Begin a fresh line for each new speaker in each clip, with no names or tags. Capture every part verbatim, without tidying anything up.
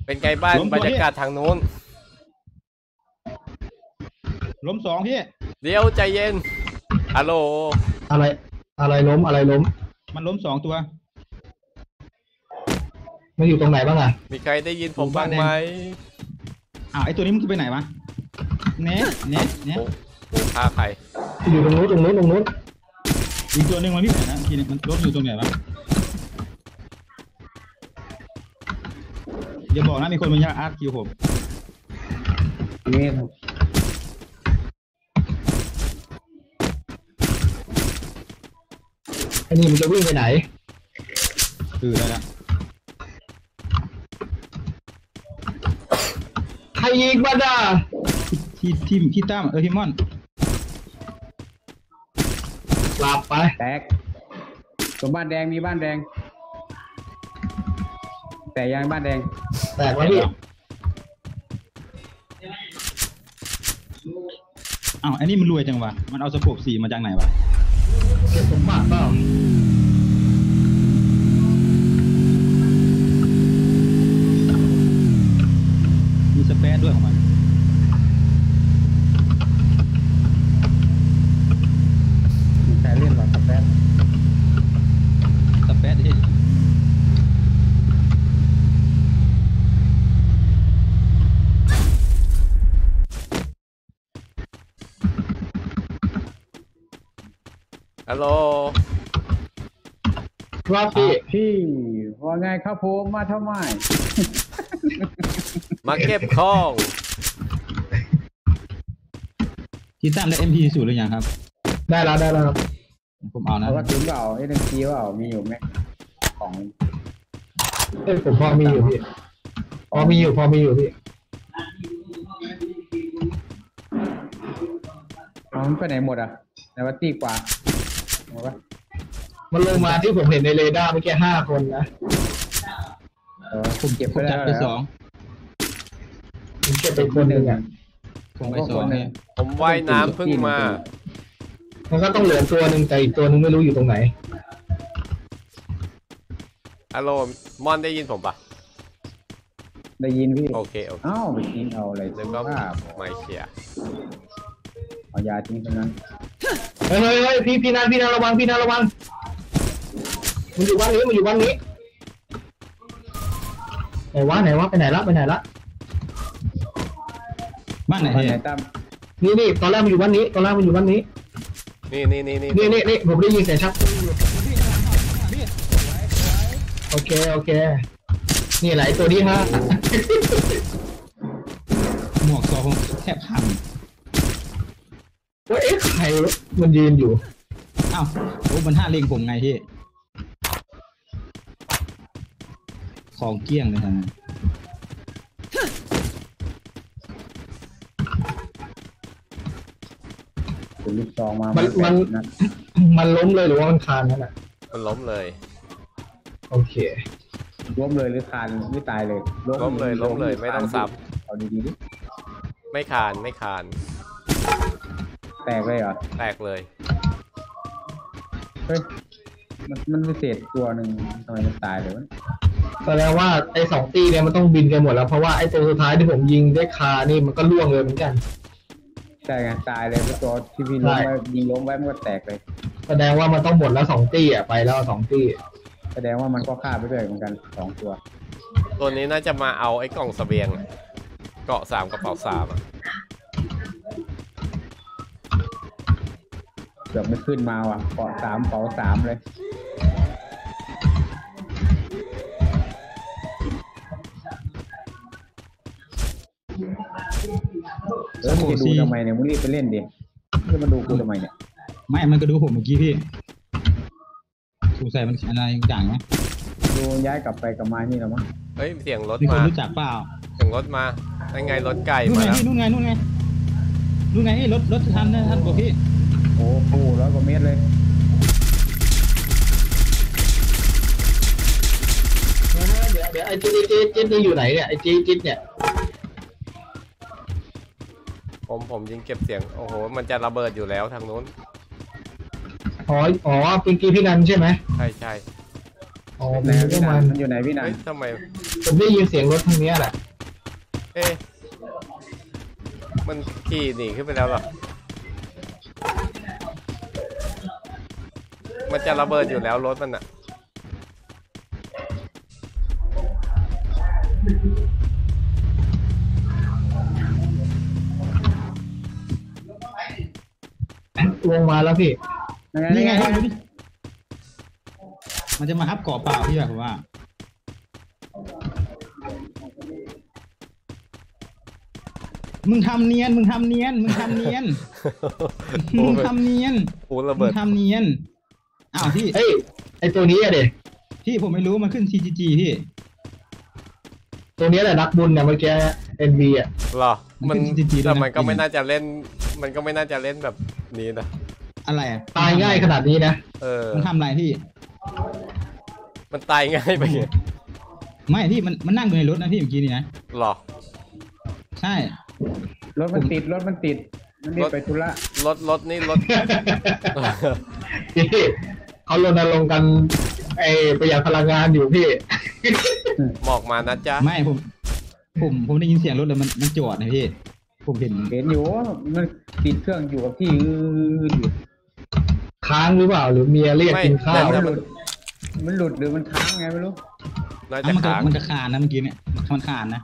เป็นไงบ้านบรรยากาศทางนู้น
ล้มสองพี่
เดี๋ยวใจเย็นฮัลโหล
อะไรอะไรล้มอะไรล้ม
มันล้มสองตัว
มันอยู่ตรงไหนบ้างอ่ะ
มีใครได้ยินผมบ้างไหม
อ้าวไอตัวนี้มันไปไหนวะเนะเนะเนะ
โอ้ฆ่าใคร
อยู่ตรงนู้นตรงนู้นตรงนู้น
อีกตัวหนึ่งมันพี่ไหนนะทีนี้มันล้มอยู่ตรงไหนวะอย่าบอกนะมีคนมาอาร์ตคิวผม
นี่ไอ้นี่มันจะวิ่งไปไหน
คือได้ละ
ใครยิงมาด่า
ที่ที่ที่ตั้มเออพี่ม่อน
หลับไป
แตกตรงบ้านแดงมีบ้านแดงแต่ยังบ้านแดง
แตกแล้วพี่
อ้าวอันนี้มันรวยจังวะมันเอาสโคปสี่มาจากไหนวะ
เก็บสมบัติเปล่า
มีสเปซด้วยของมัน
มีใครเล่นหรอสเปซ
สเปซที่
ฮัลโหล
ครับพี่
พี่ว่าไงครับผมมาทำไม
มาเก็บของ
ที่ตั้มได้ เอ็ม พี สูตรหรือยังครับ
ได้แล้วได้แล้ว
ผมเอานะ
เขาก็ถึงเปล่าเอ็ม พี เปล่ามีอยู่ไหมของ
เอ้ยผมพอมีอยู่พี่พอมีอยู่พอมีอยู่พี่
มันไปไหนหมดอ่ะในวัดตีกว่า
มันลงมาที่ผมเห็นในเรดาร์เมื่อกี้ห้าคนนะ
เออผมเก็บไป
จับไปสอง
ผมเก็บไปคนหนึ่งอ่ะ
ผมไปสองเนี่ย
ผมว่ายน้ำเพิ่งมา
มันก็ต้องเหลือตัวหนึ่งแต่อีกตัวหนึ่งไม่รู้อยู่ตรงไหน
ฮัลโหลมอนได้ยินผมปะ
ได้ยินพี่
โอเคโอเค
อ้าวไปกินเอาอะไร
แล้วก็ไม่เชียร์
เอายาทิ้งตรงนั้น
เฮ้ยเฮ้ยพี่พี่นันพี่นันระวังพี่นันระวังมันอยู่บ้านนี้มันอยู่บ้านนี้ไหนวะไหนวะไปไหนละไปไหนละ
บ้านไหนไหน
ตั้ม
นี่นี่ตอนแรกมันอยู่บ้านนี้ตอนแรกมันอยู่บ้านนี้
นี่นี่นี่
นี่นี่นี่ผมได้ยินเสียงชักโอเคโอเคนี่ไหลตัวนี้ฮะ
หมวกซอผมแทบพัง
ว่าเอ๊ะใครมันยืนอยู่
อ้าวโอ้มันห้าเล็งผมไงพี่ของเกี้ยงเลยท่าน
เป็นลูกซองมา
มันมันมันล้มเลยหรือว่ามันคานนั่นแหละ
มันล้มเลย
โอเค
ล้มเลยหรือคานไม่ตายเลย
ล้มเลยล้มเลยไม่ต้องซับ
เอาดีๆดิ
ไม่คานไม่คาน
แตกเลยเหรอ
แตกเลย
เฮ้ยมันมันพิเศษตัวหนึ่งทำไมมันตายเลยวะ
แสดงว่าไอ้สองตีเนี่ยมันต้องบินกันหมดแล้วเพราะว่าไอ้ตัวสุดท้ายที่ผมยิงได้คานี่มันก็ล่วงเลยเหมือนกัน
ใช่ไงตายเลยตัวที่พี่ล้มไว้ยิงล้มไว้มันก็แตกเลย
แสดงว่ามันต้องหมดแล้วสองตีอ่ะไปแล้วสองตี
แสดงว่ามันก็ฆ่าไปด้วยเหมือนกันสองตัว
ตัวนี้น่าจะมาเอาไอ้กล่องเสบียงเกาะสามกระเป๋าสามอ่ะ
เกือบไม่ขึ้นมาว่ะเกาะสามเป๋าสามเลยแล้วมึงจะดูทำไมเนี่ยมึงรีบไปเล่นดิมึงมาดูกูทำไมเนี่ย
ไม่มันก็ดูผมเมื่อกี้พี่สงสัยมันอะไรต่างไหม
ดูย้ายกลับไปกลับมานี่หรอมั้ง
เฮ้ยเสียงรถ
มามีคน
รู้
จักเปล่า
เสียงรถมาได้ไงรถไก่มาแล้ว
นู่นไงนู่นไงนู่นไงรถรถทันนะท่านบอกพี่
โอ้โหร้อยกว่าเมตรเลย
เดี๋ยวเดี๋ยวไอ้จิ๊ดจิ๊ดจิ๊ดนี่อยู่ไหนเนี่ยไอ้จิ๊ดจิ๊ดเนี่ย
ผมผมยิงเก็บเสียงโอ้โหมันจะระเบิดอยู่แล้วทางนู้น
อ๋ออ๋อเป็นกีพี่นันใช่ไหม
ใช่ใช่
อ๋อ
ไหน
มัน
พี่
ก็
นั
มัน น
มันอยู่ไหนพี่นัน
เฮ้ยทำไม
ผมได้ยินเสียงรถทางเนี้ยแหละ
เอ๊ะมันขี่หนีขึ้นไปแล้วเหรอมันจะระเบิดอยู่แล้วรถมันอะ
ลงมาแล้วพี่
นี่ไง
นี่
ดูดิมันจะมาฮับเกาะเปล่าพี่แบบผมว่า มึงทำเนียน มึงทำเนียน มึงทำเนียน
โอ้
มึง
ย
ทำเนียน
โอ้ระ
มึ
เบิ
ง
ด
ทำเนียน อ้าวพี่
เฮ้ยไอตัวนี้อะเด็
พี่ผมไม่รู้มันขึ้น ซี จี จี พี่
ตัวนี้แหละนักบุญเนี่ยเมื่อกี้เอ็นวีอ่ะ
เหรอมัน
มันเป็น จริงๆด้วยนะ
แต่มันก็ไม่น่าจะเล่น มันก็ไม่น่าจะเล่นแบบนี้นะ
อะไรอะ
ตายง่ายขนาดนี้นะ
เออ
มันทำอะไรพี่
มันตายง่ายไปไง
ไม่พี่มันมันนั่งอยู่ในรถนะพี่เมื่อกี้นี่นะ
เหรอ
ใช่
รถมันติดรถมันติดมันรีบไปธุระ
รถรถนี่รถ
พี่เขารณรงค์กันไอประหยัดพลังงานอยู่พี่
หมอกมานะจ๊ะ
ไม่ผม ผมผมได้ยินเสียงรถแล้วมันมันจอดนะพี่ ผมเห็น
เห็นอยู่มันติดเครื่องอยู่กับที่อืดอยู่
ค้างหรือเปล่าหรือเมียเรียก
ไม่
กินข้าว
แต่
มันหลุดมันหลุดหรือมันค้างไงไม่รู้
น่า
อ่ะ
จะ
มันก็
ค้าง
มันก็คานนะเมื่อกี้เนี่ยมันคานนะ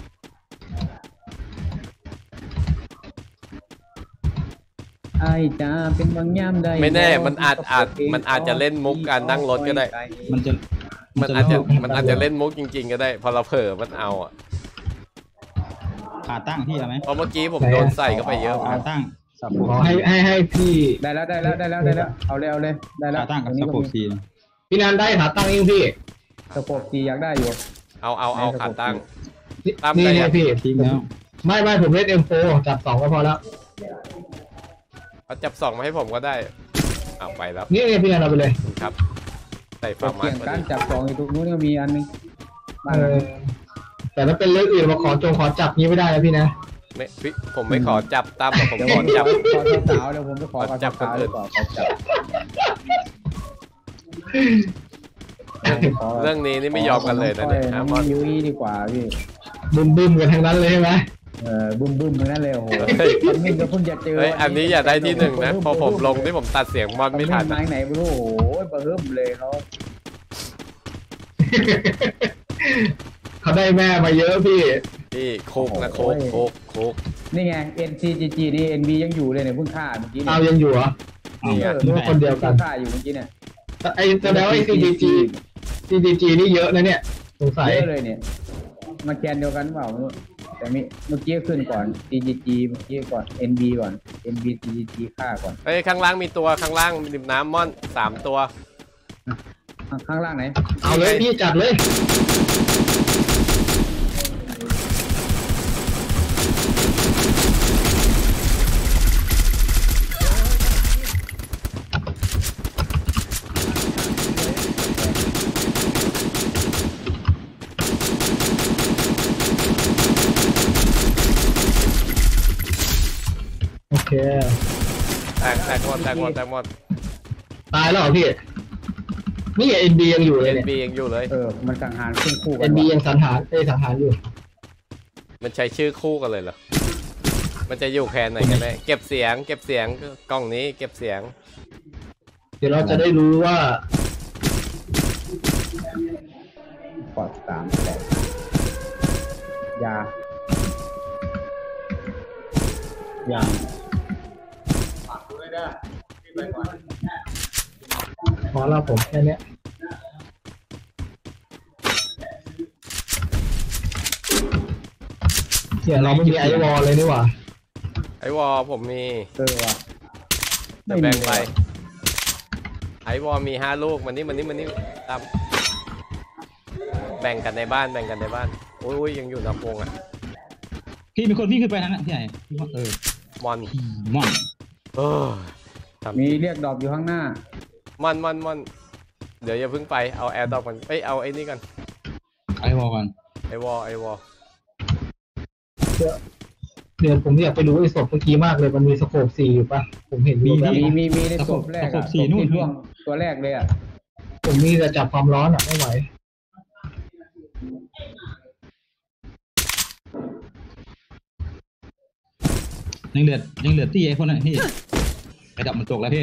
ไอ้จ้าเป็นบางย่ำได้
ไม่แน่มันอาจอาจมันอาจจะเล่นมุกการนั่งรถก็ได้
มันจะ
มันอาจจะ
ล่
มันอาจจะเล่นมุกจริง ๆ ก็ได้ พอเราเผลอมันเอาอ่ะ
ขาตั้งพี่เอาไหม
เพราะเมื่อกี้ผมโดนใส่เข้าไปเยอะเหมือน
ขา
กัน
ตั้งสับโป
ขอให้ให้ให้พี่
ได้แล้วได้แล้วได้แล้วได้แล้วเอาเลยเอาเลยได้แล้ว
ขาตั้งกับ
อันนี้
สับ
ก็
โป
มี
ซี
พี่นันได้ขาตั้งยังพี่
สปอร์ตซีอยากได้อยู่
เอาเอาเอาขาตั้ง
นี่
ตั้ม
นี่
ได้
ไง
ยัง
พี่
ทิ้งแล้ว
ไม่ไม่ผมเล่นเอ็มโฟจับสองก็พอแล้ว
เอาจับสองมาให้ผมก็ได้เอาไปแล้ว
นี่ไงพี่นันเอาไปเลย
ครับ ใส่
ก
ฟา
ด
ร์มา
เกี่ยง
พอ
การ
ดี
จับสองอยู่ตรงนู้นก็มีอันนึงบ้าน
เอ
นั้น
อแต่ถ้าเป็นเรื่องอื่นมาขอจงขอจับนี้ไม่ได้นะพี่นะ
ไม่พี่ผมไม่ขอจับตั้มหรอกผม
เดี๋ยว
ข
ผ
อ
ม
จับ
ขอสาวๆเดี๋ยวผมจะขอ
ขอจับ
สาว
คนอื่
ๆดี
น
กว่าขอจับขอ
เรื่องนี้นี่ไม่ยอมกันเลยนะเนี่ย
น้
ฮะ
อง
มอน
ยุ้ยดีกว่าพี่
บึ้มบึ้มกันทั้งนั้นเลยใช่ไหม
เออบึ้มบึ้มๆทั้งนั้นเลยโอ้โห
เฮ้ย
ตอนนี้ก็เพิ่งจะเจอ
เฮ้ยอันนี้อย่าได้ที่หนึ่งนะพอผมลงที่ผมตัดเสียงมอนไม่ทัน
ไม้ไหนไม่รู้โอ้โหเบิ่มเลยเขา
เขาได้แม่มาเยอะพี่
พี่โคกนะโคกโคกโคก
นี่ไง เอ็น ซี จี จี นี่ เอ็น บี ยังอยู่เลยเนี่ยเพิ่งฆ่าเมื่อกี้
เอา
เนี่ย
ยังอยู่เหรอ
นี่ไง
เออคนเดียวกัน
พิ่งฆ่าอยู่เมื่อกี้เนี่ย
ไอ้แสดงว่าไอ้ ซี จี จี ซี จี จี นี่เยอะนะเนี่ยสงสัย
เยอะเลยเนี่ยมาแคนเดียวกันเปล่าไม่รู้แต่มีเมื่อกี้ขึ้นก่อน ซี จี จี เมื่อกี้ก่อน เอ็น บี ก่อน เอ็น บี ซี จี จี ฆ่าก่อน
เฮ้ยข้างล่างมีตัวข้างล่างริมน้ำมอนสามตัว
ข้างข้างล่างไหน
เอาเลยพี่จัดเลย โอเค
แตกแตกหมดแตกหมดแตกหมด
ตายแล้วเหรอพี่ นี่เอ็นบียังอยู่เล
เอ็
ย
น
เนี่ย
บียังอยู่เลย
เออ มันสังหารขึ้นคู่กั
เอ็
น
นบี
ว่ะ
ยังสังหารเอ้ยสังหารอยู่
มันใช้ชื่อคู่กันเลยเหรอมันจะอยู่แคนไหนกันแน่เก็บเสียง เก็บเสียงกล้องนี้เก็บเสียง
เดี๋ยวเราจะได้รู้ว่า
กอดสามแปดยา
อย่าง
ขอเราผมแค่เนี้ยเดี๋ยวเราไม่มีไอวอลเลยนี่หว่า
ไอวอลผมมี
เออว่ะ
เดี๋ยวแบ่งไปไอวอลมีห้าลูกมันนี่มันนี่มันนี่ตามแบ่งกันในบ้านแบ่งกันในบ้านโอ้ยยังอยู่นอกวงอ่ะ
พี่มีคนวิ่งขึ้นไปทางนั้นพี่ใหญ่พี่ว่าเออ
มอน
พี่ม่อน
เออทำ
มีเรียกดอกอยู่ข้างหน้า
มอนมอนมอนเดี๋ยวอย่าเพิ่งไปเอาแอร์ดรอปกันเอ้ยเอาไอ้นี่กัน
ไอวอลก่อน
ไอวอลไอวอล
เดี๋ยวผมอยากไปดูไอ้ศพเมื่อกี้มากเลยมันมีสโคปสี่อยู่ปะผมเห็นมีแบบ
มีมีมีในศพแรกอะศพที่ร่วงตัวแรกเลยอะ
ผมมีแต่จับความร้อนอ่ะไม่ไหว
ยังเหลือยังเหลือตี้ไอ้พวกนั้นพี่ไอ้ดับมันตกแล้วพี่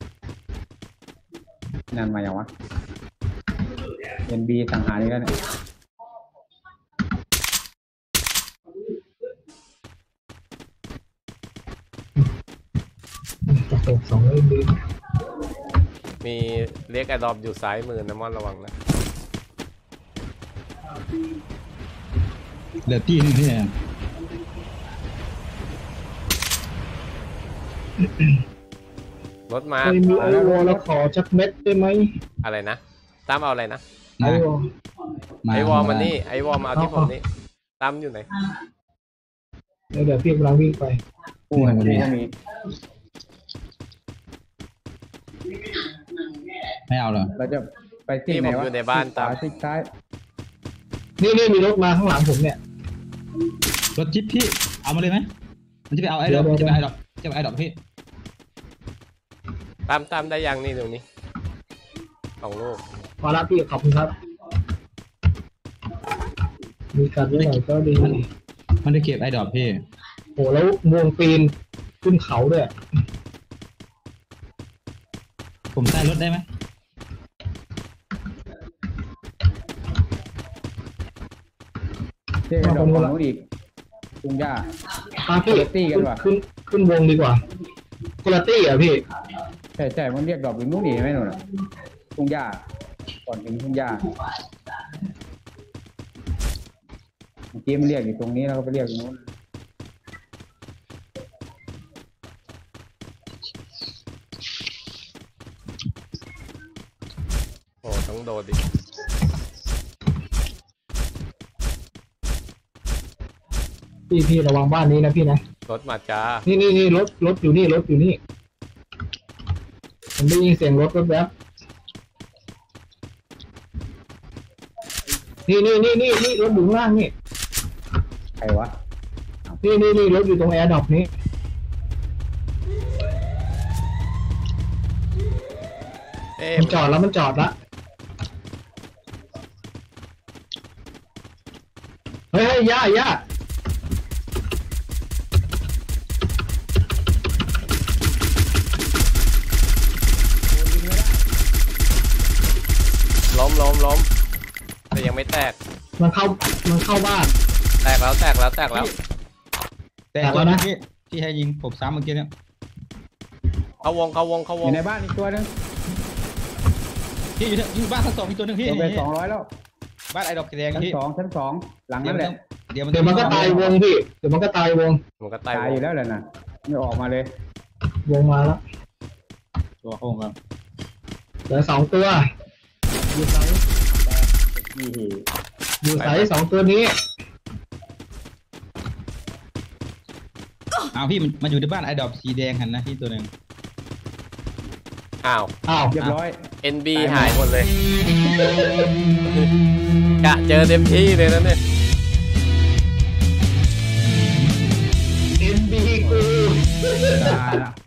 นั่นมาอย่างวะเอ็นบีสังหารนี่แล้วเนี่ย
ตกตกสองเลยดี
มีเรียกไอดอมอยู่ซ้ายมือนะมอนระวังนะ
เหลือตี้นึงพี่
รถมา
เคยมีไอวอลแล้วขอจักเม็ดได้ไหม
อะไรนะตามเอาอะไรนะ
ไอวอล
มา
ไอวอลมานี่ไอวอลมาเอาที่ผมนี่ตามอยู่ไหน
เดี๋ยวเดี๋ยวพี่กำลังวิ่งไป
คู่กันนี้ก็มี
ไม่เอาเหรอ
เราจะไปที่
นี่
ไหน
ผม
วะ
อยู่ในบ้านตาม
ที่ซ้าย
นี่นี่มีรถมาข้างหลังผมเนี่ย
รถจิ๊บพี่เอามาเลยไหมมันจะไปเอาไอ้ดอก
เดี๋ยว
จะไปไอ้ดอกจะไปไอ้ดอกพี่
ตามตามได้ยังนี่ตรงนี้สองลูก
พอละพี่ขอบคุณครับ มีการด้วยหน่อยก็ดี
มันมันได้เก็บไอ้ดอกพี่
โหแล้ววงปีนขึ้นเขาด้วย
ผมใส่รถได้ไหม
เที่ยวกันดอกของนู้นอีกทุ่งหญ้า
มาพี่
คนละตี้กัน
ขึ้น
ว่ะ
ขึ้นขึ้นวงดีกว่าคุณตี้อ่ะพี่
ใช่ใช่มันเรียกดอกอยู่นู้นอีกไหมนู่นน่ะทุ่งหญ้าก่อนถึงทุ่งหญ้าเมื่อกี้มันเรียกอยู่ตรงนี้แล้วก็ไปเรียกอยู่นู้น
โอ้ต้องโดดดิ
พี่พี่ระวังบ้านนี้นะพี่นะ
รถมาจ้า
นี่นี่นี่รถรถอยู่นี่รถอยู่นี่ผมได้ยินเสียงรถรถแวบนี่นี่นี่นี่นี่รถอยู่ข้างล่างนี่
ใครวะ
นี่นี่นี่รถอยู่ตรงแอร์ดรอปนี้
เอ๊ะ
มันจอดแล้วมันจอดละเฮ้ยเฮ้ยย่าย่า
ล้มล้มล้มแต่ยังไม่แตก
มันเข้ามันเข้าบ้าน
แตกแล้วแตกแล้วแตกแล้ว
แต่
แต่
ตัว
แล้ว
นั้
นะ
นพี่ที่ให้ยิงผมซ้ำเมื่อกี้เนี่ย
เข้าวงเข้าวงเข้า
อ
วง
ยู่ในบ้านอีกตัวหนึง
พี่อยู่เนี่ยอยู่บ้านชั้นสองมีตัวหนึงพี่
ตัวไปสองร้อยแล้ว
บ้านไอ้ดอกแดง
ชั้น
พี่
สองชั้นสองหลัง
เดี๋ย
นั่
วน มัน
แห
ต้อ
ละ
งเดี๋ยวมัน
เดี๋ยวมันก็ตายวงพี่เดี๋ยวมันก็ตายวง
มันก็ตาย
ตายว อยู่
ง
แล้วแหละนะไม่ออกมาเลย
วงมาแล้ว
ตัวโค้งครับ
เหลือสองตัวอยู่ไซส์
ยี่หี
อยู่ไซส์สองตัวนี้
อ้าวพี่มันมันอยู่ในบ้านไอ้ดอกสีแดงหันนะพี่ตัวหนึ่ง
อ้าว
อ้าว
เรียบร้อย
เอ็นบีหายหมดเลยกะเจอเต็มที่เลยนะเนี่ย
เอ็นบีกู
ตายละ